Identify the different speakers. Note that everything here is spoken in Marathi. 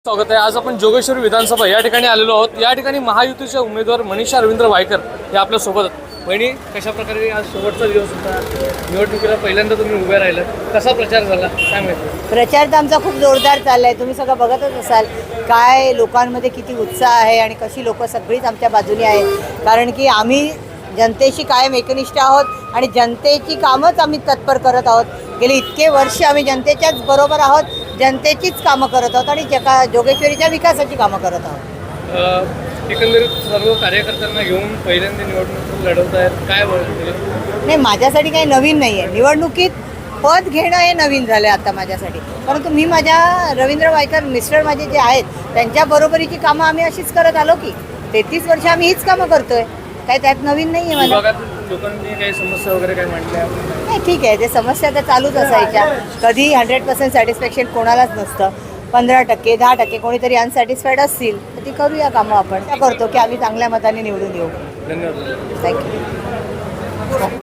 Speaker 1: स्वागत आहे। आज आपण जोगेश्वरी विधानसभा या ठिकाणी आलेलो आहोत। या ठिकाणी महायुतीचे उमेदवार मनीषा रवींद्र वायकर हे आपल्या सोबत आहेत। बहिणी, कशा प्रकारे आज शेवटचा दिवस होता, निवडणुकीला पहिल्यांदा तुम्ही उभे राहिलात, कसा प्रचार झाला काय माहिती?
Speaker 2: प्रचार तर आमचा खूप जोरदार चाललाय। तुम्ही सगळं बघतच असाल काय लोकांमध्ये किती उत्साह आहे आणि कशी लोक सगळीच आमच्या बाजूने आहेत। कारण की आम्ही जनतेशी कायम एकनिष्ठ आहोत आणि जनतेची कामच आम्ही तत्पर करत आहोत। गेली इतके वर्ष आम्ही जनतेच्याच बरोबर आहोत, जनतेचीच कामं करत आहोत आणि जोगेश्वरीच्या विकासाची कामं करत आहोत।
Speaker 1: एकंदरीत सर्व कार्यकर्त्यांना घेऊन पहिल्यांदा निवडणूक लढवत आहेत, काय बोलतो?
Speaker 2: नाही, माझ्यासाठी काही नवीन नाही आहे। निवडणुकीत पद घेणं हे नवीन झालं आहे आता माझ्यासाठी। परंतु मी माझ्या रवींद्र वायकर मिस्टर माझे जे आहेत त्यांच्या बरोबरीची कामं आम्ही अशीच करत आलो की 33 वर्ष आम्ही हीच कामं करतोय। काय त्यात नवीन नाही आहे मला।
Speaker 1: लोकांनी काही समस्या वगैरे काय मांडल्या?
Speaker 2: नाही, ठीक आहे, ते समस्या तर चालूच असायच्या। कधी 100% सॅटिस्फॅक्शन कोणालाच नसतं। 15%, 10% कोणीतरी अनसॅटिस्फाईड असतील तर ती करूया कामं आपण। त्या करतो की आम्ही चांगल्या मताने निवडून येऊ।
Speaker 1: धन्यवाद।
Speaker 2: थँक्यू।